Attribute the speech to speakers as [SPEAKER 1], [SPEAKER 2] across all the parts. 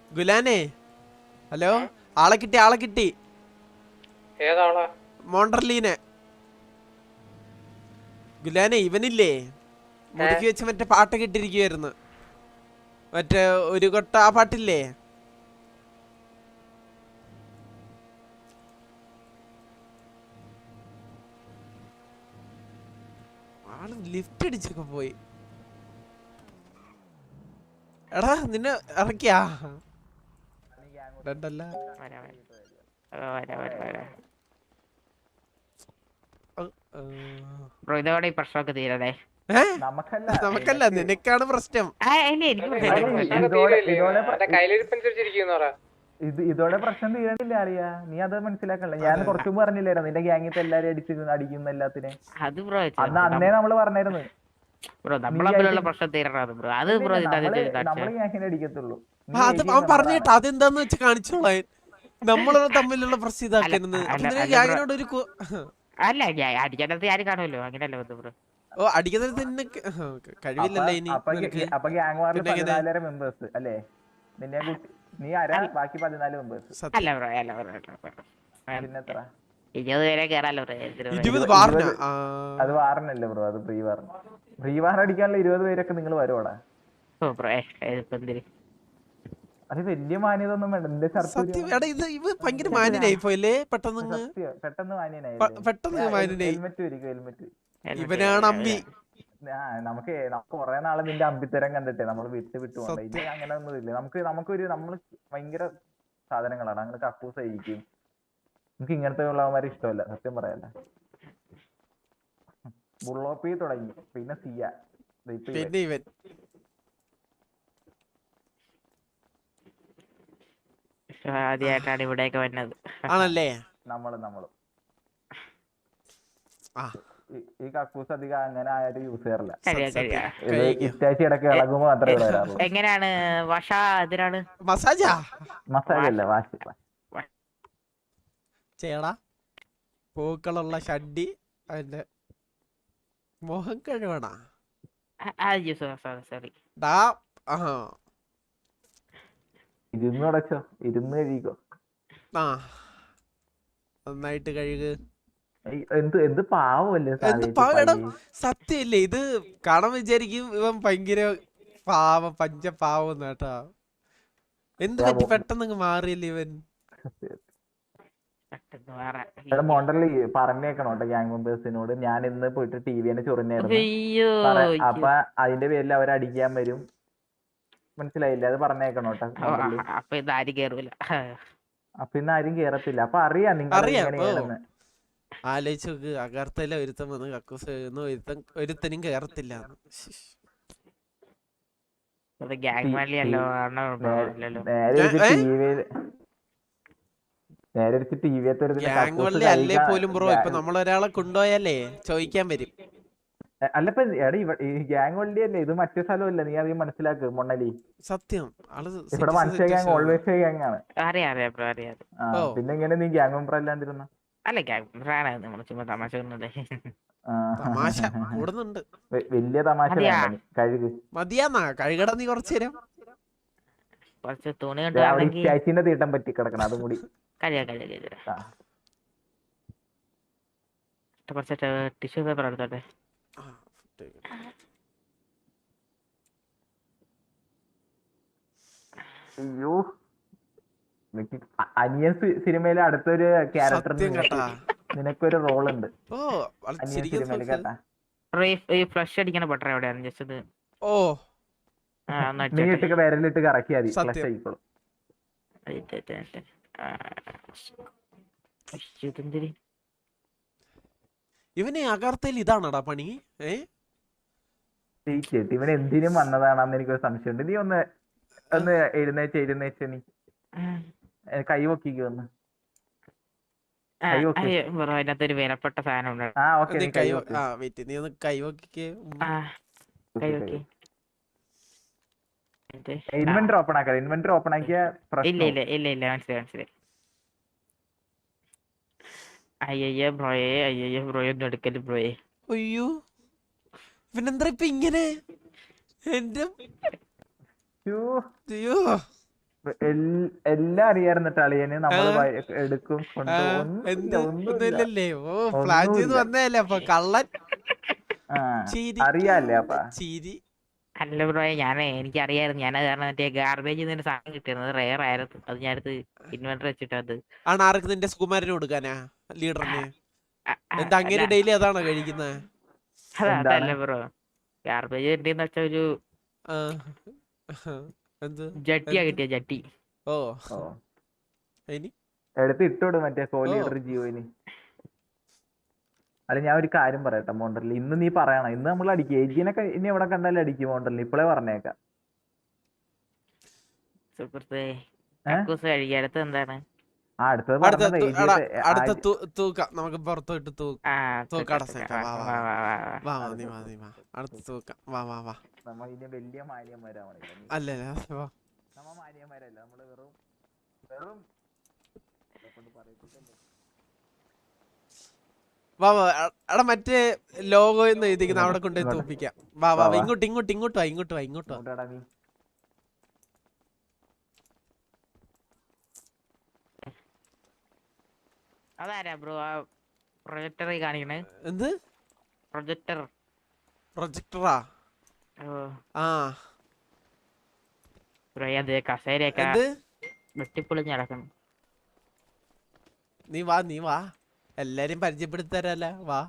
[SPEAKER 1] ഗുലാനെ hello. ആളെ കിട്ടി.
[SPEAKER 2] ഏതാളാ?
[SPEAKER 1] മോണ്ടർലീനെ. ഗുലാനെ ഇവനില്ലേ മുതുക്കി വെച്ച് മറ്റേ പാട്ടൊക്കെ ഇട്ടിരിക്കുവായിരുന്നു. മറ്റേ ഒരു കൊട്ട ആ പാട്ടില്ലേ? ആള് ലിഫ്റ്റ് അടിച്ചൊക്കെ പോയി. എടാ നിന്നെ ഇറക്കിയാ? രണ്ടല്ല
[SPEAKER 3] ഇതോടെ ഈ പ്രശ്നമൊക്കെ തീരതേ.
[SPEAKER 1] നമുക്കല്ല നിനക്കാണ് പ്രശ്നം.
[SPEAKER 4] ഇതോടെ പ്രശ്നം തീരണില്ല അറിയാ. നീ അത് മനസ്സിലാക്കണ്ട. ഞാൻ കുറച്ചു മുമ്പ് പറഞ്ഞില്ലായിരുന്നു നിന്റെ ഗ്യാങ്ങിത്തെ എല്ലാരും അടിക്കുന്ന എല്ലാത്തിനെ. അന്നേ നമ്മള് പറഞ്ഞായിരുന്നു
[SPEAKER 3] നമ്മളെ പ്രശ്നം തീരണം ബ്രോ. അത് ബ്രോ
[SPEAKER 4] നമ്മള് ഗ്യാങ്ങിനെ അടിക്കത്തുള്ളൂ.
[SPEAKER 1] അത് അവൻ പറഞ്ഞിട്ട് അതെന്താന്ന് വെച്ച് കാണിച്ചോളാൻ. നമ്മള് തമ്മിലുള്ള പ്രശ്നം ഇതാക്കരുന്ന്. ഗ്യാങ്ങിനോട് ഒരു
[SPEAKER 3] അല്ല അടിക്കാനത്ത് ആരും കാണുമല്ലോ. അങ്ങനെയല്ല ബ്രോ.
[SPEAKER 1] ഓ അടിക്കുന്നത് തന്നെ കഴിവില്ലല്ലേ ഇനി.
[SPEAKER 4] അപ്പൊ ഗ്യാങ് വാറിൽ 14 മെമ്പേഴ്സ് അല്ലേ? നിന്നെ നീ ആരാ? ബാക്കി 14 മെമ്പേഴ്സ്.
[SPEAKER 3] അല്ല ബ്രോ അല്ല ബ്രോ.
[SPEAKER 4] പിന്നെത്ര?
[SPEAKER 3] 20 പേരെ കേറാലോ ബ്രോ.
[SPEAKER 1] 20
[SPEAKER 4] അത് വാറിനല്ലേ ബ്രോ? അത് ഫ്രീ വാർ. ഫ്രീ വാർ അടിക്കാനുള്ള 20 പേരൊക്കെ നിങ്ങൾ വരുവാടാ. അത് വലിയ മാന്യത ഒന്നും വേണ്ട. നിന്റെ
[SPEAKER 1] ഭയങ്കര മാന്യനായി പോയല്ലേ പെട്ടെന്ന്.
[SPEAKER 4] പെട്ടെന്ന് മാന്യനായി. ഹെൽമെറ്റ് വരിക. ഹെൽമെറ്റ്
[SPEAKER 1] ഇവനാണ് അമ്പി.
[SPEAKER 4] നമുക്ക് കുറെ നാളെ നിന്റെ അമ്പിത്തരം കണ്ടിട്ടേ നമ്മൾ വിട്ടു പോകണ്ട. ഇത് അങ്ങനെ ഒന്നും ഇല്ല. നമ്മള് ഭയങ്കര സാധനങ്ങളാണ്. അങ്ങനെ കക്കൂസ് ആയിരിക്കും. നമുക്ക് ഇങ്ങനത്തെ ഉള്ളവന്മാരെ ഇഷ്ടമല്ല സത്യം പറയല്ല. ബുള്ളോപ്പി തുടങ്ങി പിന്നെ സിയ
[SPEAKER 1] പിന്നെ ഇവൻ
[SPEAKER 3] ആദ്യമായിട്ടാണ് ഇവിടെയൊക്കെ വന്നത്.
[SPEAKER 1] ആണല്ലേ?
[SPEAKER 4] നമ്മളും ഈ കക്കൂസ് അധികം അങ്ങനെ ആരും യൂസ് ചെയ്യാറില്ല. ഇറ്റാച്ചി ഇടയ്ക്ക് ഇളകുമ്പോ മാത്രമേ വരാറുള്ളൂ.
[SPEAKER 3] എങ്ങനെയാണ് വാഷ? ഇതിനാണ്
[SPEAKER 4] മസാജല്ല വാഷ്
[SPEAKER 1] ചേടാ. പൂക്കളുള്ള ഷഡ്ഡി അതിന്റെ മോഹം കഴിവണ.
[SPEAKER 3] സോറി.
[SPEAKER 4] ഇരുന്ന് അടച്ചോ. ഇരുന്ന് കഴിക്കോ.
[SPEAKER 1] നന്നായിട്ട് കഴുകു.
[SPEAKER 4] എന്ത് പാവല്ലേ
[SPEAKER 1] സത്യല്ലേ? ഇത് കാണാൻ വിചാരിക്കും ഇവൻ ഭയങ്കര പാവം പഞ്ചപാവം കേട്ടാ. എന്ത് പറ്റി പെട്ടെന്ന് മാറിയല്ലേ ഇവൻ?
[SPEAKER 4] മോണ്ടർലി പറഞ്ഞേക്കണോട്ടെ ഗ്യാങ് മെമ്പേഴ്സിനോട്. ഞാൻ ഇന്ന് പോയിട്ട് ടിവിനെ ചൊറിഞ്ഞായിരുന്നു. അപ്പൊ അതിന്റെ പേരിൽ അവരടിക്കാൻ വരും. മനസ്സിലായില്ലേ? അത് പറഞ്ഞേക്കണോട്ടെ.
[SPEAKER 3] അപ്പൊ ഇന്ന് ആരും കേറൂല.
[SPEAKER 4] അപ്പൊ ഇന്ന് ആരും കേറത്തില്ല. അപ്പൊ അറിയാം നിങ്ങൾ എങ്ങനെയാണെന്ന്.
[SPEAKER 1] ആലോചിച്ച് നോക്ക്. അകർത്തല ഒരുത്തൻ വന്ന് കക്കൂസ് ഒരുത്തനും കേറത്തില്ല. അല്ലേ പോലും ബ്രോ. ഇപ്പൊ നമ്മളൊരാളെ കൊണ്ടുപോയാലേ ചോദിക്കാൻ വരും.
[SPEAKER 4] അല്ലപ്പ ഈ ഗ്യാങ് വള്ളി അല്ലേ? ഇത് മറ്റേ സ്ഥലമല്ല. നീ അധികം മനസ്സിലാക്ക് മൊണ്ണലി.
[SPEAKER 1] സത്യം
[SPEAKER 4] ഇവിടെ മനുഷ്യ ഗ്യാങ് ഓൾവേസ് ഗ്യാങ് ആണ്. പിന്നെ എങ്ങനെ നീ ഗ്യാങ് മെമ്പർ അല്ലാണ്ടിരുന്ന?
[SPEAKER 3] അല്ല ഗ്യാങ് ചുമ്മാ തമാശ
[SPEAKER 1] കൂടുന്നുണ്ട്.
[SPEAKER 4] വലിയ തമാശ കഴുകു.
[SPEAKER 1] മതിയാന്നാ കഴുകട നീ കുറച്ചു നേരം.
[SPEAKER 3] കുറച്ച് തുണി
[SPEAKER 4] ചാച്ചിന്റെ തീട്ടം പറ്റി കിടക്കണം. അതും കൂടി
[SPEAKER 3] കുറച്ച് ടിഷ്യൂ പേപ്പർ എടുത്തോട്ടെ.
[SPEAKER 4] അയ്യോ, അനിയൻ സിനിമയിലെ അടുത്തൊരു ക്യാരക്ടർ നിനക്കൊരു റോൾ ഉണ്ട് അനിയൻ സിനിമയിൽ കേട്ടാ.
[SPEAKER 3] ഫ്ലഷ് അടിക്കണ ബട്ടർ എവിടെയാണ്? ജസ്റ്റ്
[SPEAKER 4] നീ ഇട്ട് വിരലിട്ട് കറക്കിയാ മതി. ഫ്ലഷ് ആയിക്കോളും.
[SPEAKER 1] ഇവനെ അകർത്തയിൽ ഇതാണടാ പണി.
[SPEAKER 4] ഇവൻ എന്തിനും വന്നതാണെന്ന് എനിക്കൊരു സംശയമുണ്ട്. നീ ഒന്ന് എഴുന്നേച്ച് നീ കൈ പൊക്കിക്ക് വന്ന്.
[SPEAKER 3] അതിനകത്തൊരു വിലപ്പെട്ട സാധനം
[SPEAKER 4] ഇൻവെന്റർ ഓപ്പൺ ആക്കാം. ഇൻവെന്റർ ഓപ്പൺ ആക്കിയ
[SPEAKER 3] ഇല്ല മനസ്സിലായി. അയ്യോ ബ്രോയെ ഒന്നും എടുക്കല് ബ്രോയെ.
[SPEAKER 1] അയ്യോ ഇവനെന്താ ഇപ്പൊ ഇങ്ങനെ? എന്റെ
[SPEAKER 4] എല്ലാം അറിയായിരുന്നിട്ട് അളിയന് നമ്മള് എടുക്കും
[SPEAKER 1] എന്ത്
[SPEAKER 4] ഒന്നുമില്ല
[SPEAKER 1] ഒന്നുമില്ലല്ലേ? ഓ പ്ലാൻ ചെയ്ത് വന്നതല്ലേ അപ്പൊ കള്ളൻ.
[SPEAKER 4] അറിയാല്ലേ അപ്പ
[SPEAKER 1] ചിരി.
[SPEAKER 3] അല്ല ബ്രോ എനിക്കറിയായിരുന്നു. ഞാനത് കാരണം മറ്റേ ഗാർബേജ് നിന്ന് സാധനം കിട്ടിയിരുന്നത് റെയർ ആയിരുന്നു. അത് ഞാനടുത്ത് ഇൻവെർട്ടർ വെച്ചിട്ട് അത്
[SPEAKER 1] ആണ് ആർക്ക് നിന്റെ സുകുമാരന് കൊടുക്കാനാ? ലീഡറിന്? എന്താ
[SPEAKER 3] അല്ല
[SPEAKER 1] അങ്ങനെ ഡെയിലി അതാണോ കഴിക്കുന്നത്?
[SPEAKER 3] അതല്ല ബ്രോ, ഗാർബേജ് കിട്ടിയെന്ന് വെച്ചാ ഒരു
[SPEAKER 1] എന്ത്
[SPEAKER 3] ജട്ടിയാ കിട്ടിയ ജട്ടി.
[SPEAKER 1] ഓ
[SPEAKER 4] ഓ
[SPEAKER 1] ഇനി
[SPEAKER 4] എടുത്ത് ഇട്ടോട് മറ്റേ കോ ലീഡർ ജിയോയിന്. അല്ല ഞാൻ ഒരു കാര്യം പറയട്ടെ മോണ്ടറിൽ, ഇന്ന് നീ പറയണം, ഇന്ന് നമ്മൾ അടിക്കും ഏജിനൊക്കെ. ഇനി എവിടെ കണ്ടാലും അടിക്കും മോണ്ടറിൽ, ഇപ്പളേ പറഞ്ഞേക്കാം.
[SPEAKER 3] സുഹൃത്തേ കക്കൂസ് കഴുകി. അടുത്ത് എന്താണ്?
[SPEAKER 1] അടുത്ത തൂക്കാം. നമുക്ക് പുറത്തോട്ട് തൂക്കാട അടുത്ത തൂക്കാം. വാ വാ വാ.
[SPEAKER 4] നമ്മ ഇനി വലിയ മാന്യന്മാരാവണില്ല.
[SPEAKER 1] അല്ല
[SPEAKER 4] നമ്മ മാന്യന്മാരല്ല, നമ്മള് വെറും വെറും
[SPEAKER 1] വാ വാ. എടാ മറ്റേ ലോഗോ എന്ന് എഴുതിക്കുന്ന അവിടെ കൊണ്ടുപോയി തൂപ്പിക്കാം. വാ വാ. ഇങ്ങോട്ട് ഇങ്ങോട്ട് ഇങ്ങോട്ട് വാ. ഇങ്ങോട്ട് വാ. ഇങ്ങോട്ട് വാ.
[SPEAKER 3] അതാരാ ബ്രോ ആ പ്രൊജക്ടർ കാണിക്കണേ?
[SPEAKER 1] എന്ത് പ്രൊജക്ടറാ? ആ
[SPEAKER 3] ബ്രോ അത് കസേരയൊക്കെ വെട്ടിപ്പൊളിഞ്ഞ് നടക്കണം.
[SPEAKER 1] നീ വാ. എല്ലാരും പരിചയപ്പെടുത്തരല്ല. വാ.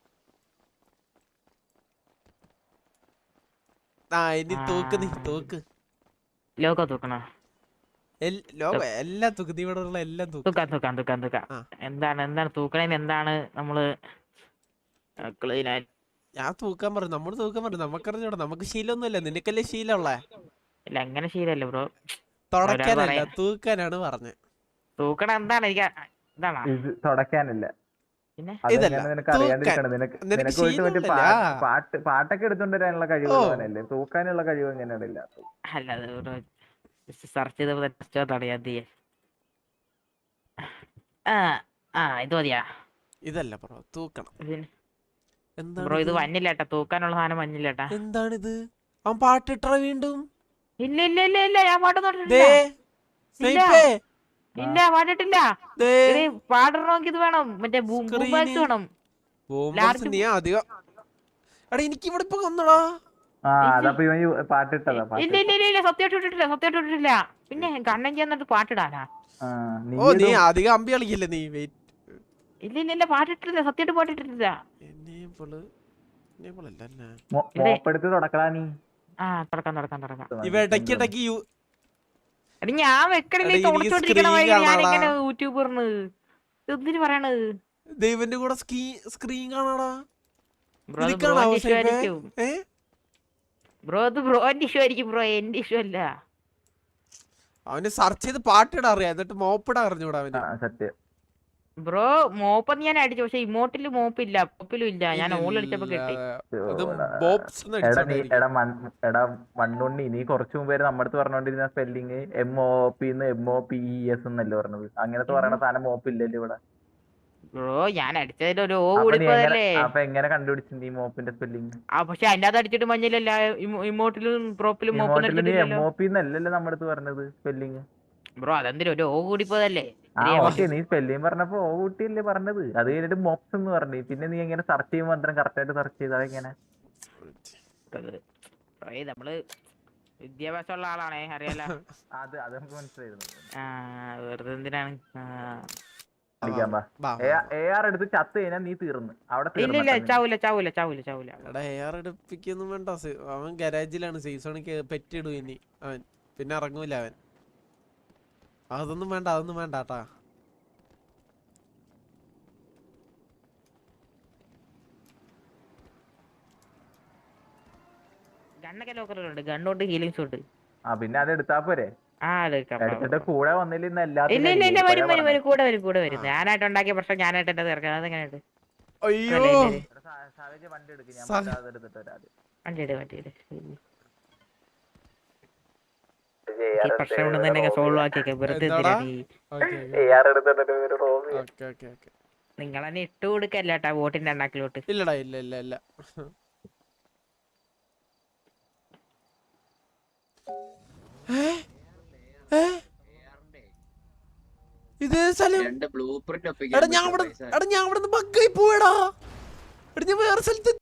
[SPEAKER 1] ഇനി തൂക്ക്.
[SPEAKER 3] ലോഗോ തൂക്കണോ?
[SPEAKER 1] എല്ലാം തൂക്ക്. നീ ഇവിടെ ഉള്ള എല്ലാം
[SPEAKER 3] തൂക്കാം. എന്താണ് തൂക്കണേന്? എന്താണ് നമ്മള്
[SPEAKER 1] ഞാൻ തൂക്കാൻ പറഞ്ഞു. നമ്മള് തൂക്കാൻ പറഞ്ഞു. നമുക്കറിഞ്ഞൂടാ. നമുക്ക് ശീലമൊന്നുമില്ല. നിനക്കല്ലേ ശീലമുള്ളേ?
[SPEAKER 3] ഇല്ല അങ്ങനെ ശീലല്ലേ ബ്രോ.
[SPEAKER 1] തുടക്കാനല്ല, തൂക്കാനാണ് പറഞ്ഞത്.
[SPEAKER 3] തൂക്കണം എന്താണ്? എനിക്ക് ഇതാണോ
[SPEAKER 4] തുടക്കാനില്ല.
[SPEAKER 3] പിന്നെ
[SPEAKER 4] നിനക്ക് അറിയാണ്ടിരിക്കണം. നിനക്ക് പോയിട്ട് മറ്റേ പാട്ടൊക്കെ എടുത്തോണ്ട് വരാനുള്ള കഴിവുള്ളവനല്ലേ, തൂക്കാനുള്ള കഴിവ് എങ്ങനെയാണ് ഇല്ലാത്തത്?
[SPEAKER 3] അല്ല സെർച്ച് ചെയ്തതാണ് ഞാൻ ചെയ്യാൻ. ഇത് മതിയാ?
[SPEAKER 1] ഇതല്ല ബ്രോ, തൂക്കണം.
[SPEAKER 3] ബ്രോ ഇത് മഞ്ഞില്ലേട്ടാ, തൂക്കാനുള്ള സാധനം മഞ്ഞില്ലേട്ടാ.
[SPEAKER 1] എന്താണിത്? അവൻ പാട്ടിട്ട വീണ്ടും?
[SPEAKER 3] ഇല്ല ഞാൻ പാട്ടൊന്നും പാടിട്ടില്ല. പാടണമെങ്കിൽ ഇത് വേണം, മറ്റേ വേണം.
[SPEAKER 1] നീ അധികം എനിക്ക് ഇവിടെ ഇപ്പൊ കൊന്നടാ.
[SPEAKER 3] ഇല്ല സത്യമായിട്ട് ഇട്ടിട്ടില്ല. പിന്നെ കണ്ണൻ ചെന്നിട്ട് പാട്ടിടാനാ?
[SPEAKER 1] ഓ നീ അധികം അമ്പി കളിക്കില്ല നീ.
[SPEAKER 3] ഇല്ല പാട്ടിട്ടില്ല, സത്യമായിട്ട് പാട്ടിട്ടില്ല. ഞാൻ വെക്കണില്ലേ ഞാനിങ്ങനെ യൂട്യൂബറിന് എന്തിനു പറയണത്?
[SPEAKER 1] ദൈവന്റെ കൂടെ സ്ക്രീൻ കാണാടാ.
[SPEAKER 3] ബ്രോ അത് ബ്രോന്റെ ഇഷ്യൂ ആയിരിക്കും ബ്രോ, എന്റെ ഇഷ്യൂ അല്ല.
[SPEAKER 1] അവന് സെർച്ച് ചെയ്ത് പാട്ടിടാ അറിയാം, എന്നിട്ട് മോപ്പിടാ അറിഞ്ഞൂടാ അവന്.
[SPEAKER 4] സത്യം
[SPEAKER 3] ബ്രോ മോപ്പ് ഞാൻ അടിച്ചു, പക്ഷെ ഇമോട്ടില് മോപ്പില്ല, പോപ്പിലും ഇല്ല. ഞാൻ ഓൾ അടിച്ചപ്പോ കിട്ടി.
[SPEAKER 4] എടാ മണ്ണുണ്ണി, നീ കുറച്ചു മുമ്പേ നമ്മുടെ അടുത്ത് പറഞ്ഞോണ്ടിരുന്ന സ്പെല്ലിങ് MOP MOPES എന്നല്ലേ പറഞ്ഞത്? അങ്ങനത്തെ പറയണ സാധനം മോപ്പ് ഇല്ലല്ലോ ഇവിടെ.
[SPEAKER 3] ബ്രോ ഞാൻ അടിച്ചതിൽ ഒരു ഓ കൂടിപ്പോയല്ലേ.
[SPEAKER 4] അപ്പൊ എങ്ങനെ കണ്ടുപിടിച്ചു നീ മോപ്പിന്റെ സ്പെല്ലിങ്?
[SPEAKER 3] പക്ഷെ അതിന്റെ അത് അടിച്ചിട്ട് മഞ്ഞിലല്ല, ഇമോട്ടിലും പ്രോപ്പിലും
[SPEAKER 4] MOP എന്നല്ലല്ലോ നമ്മുടെ അടുത്ത് പറഞ്ഞത് സ്പെല്ലിങ്.
[SPEAKER 3] ബ്രോ അതെന്തിനും ഒരു ഓ കൂടിപ്പോയതല്ലേ.
[SPEAKER 4] നീ സ്പെല്ലിങ് പറഞ്ഞപ്പോ ഓ കൂട്ടിയല്ലേ പറഞ്ഞത്? അത് കഴിഞ്ഞിട്ട് മോപ്സ് എന്ന് പറഞ്ഞു. പിന്നെ നീ എങ്ങനെ സെർച്ച് ചെയ്യുമ്പോ അത്രയും കറക്റ്റ് ആയിട്ട് സെർച്ച് ചെയ്ത് അതെങ്ങനെ?
[SPEAKER 3] നമ്മള് വിദ്യാഭ്യാസമുള്ള ആളാണേ, അറിയാലോ.
[SPEAKER 4] അത് നമുക്ക് മനസ്സിലായിരുന്നു.
[SPEAKER 3] വെറുതെ എന്തിനാണ്
[SPEAKER 4] AR എടുത്ത് ചത്ത് കഴിഞ്ഞാൽ നീ തീർന്നു അവിടെ.
[SPEAKER 3] ഇല്ല ചാവൂല.
[SPEAKER 1] AR എടുപ്പിക്കൊന്നും വേണ്ട. അവൻ ഗരാജിലാണ്, സീസണിക്ക് പെറ്റിടും ഇനി അവൻ. പിന്നെ ഇറങ്ങൂല അവൻ. അതൊന്നും വേണ്ട ട്ടാ.
[SPEAKER 3] ഗണ്ണൊക്കെ ലോക്കറിലുണ്ട്, ഗണ്ണുണ്ട്, ഹീലിങ്സ് ഉണ്ട്.
[SPEAKER 4] പിന്നെ അത് എടുത്താ പോരെ? എടുത്തിട്ട് കൂടെ വന്നില്ല.
[SPEAKER 3] ഇല്ല വരും കൂടെ വരും. ഞാനായിട്ട് ഉണ്ടാക്കിയ പ്രശ്നം ഞാനായിട്ട് എന്റെ തീർക്കാം. അതെങ്ങനെയുണ്ട്? വണ്ടി പ്രശ്നം ഉണ്ടെന്ന് തന്നെ സോൾവ് ആക്കിയൊക്കെ വെറുതെ നിങ്ങൾ തന്നെ ഇട്ട് കൊടുക്കല്ലേട്ടാ വോട്ടിന്റെ എണ്ണാക്കിലോട്ട്.
[SPEAKER 1] ഇല്ലടാ ഇല്ല. ഏ ഇതേ സ്ഥലം.
[SPEAKER 5] രണ്ട് ബ്ലൂ പ്രിന്റ്
[SPEAKER 1] എടാ ഞാൻ അവിടെ നിന്ന് ബഗ്ഗായി പോയടാ. എടാ ഞാൻ വേറെ സ്ഥലത്ത്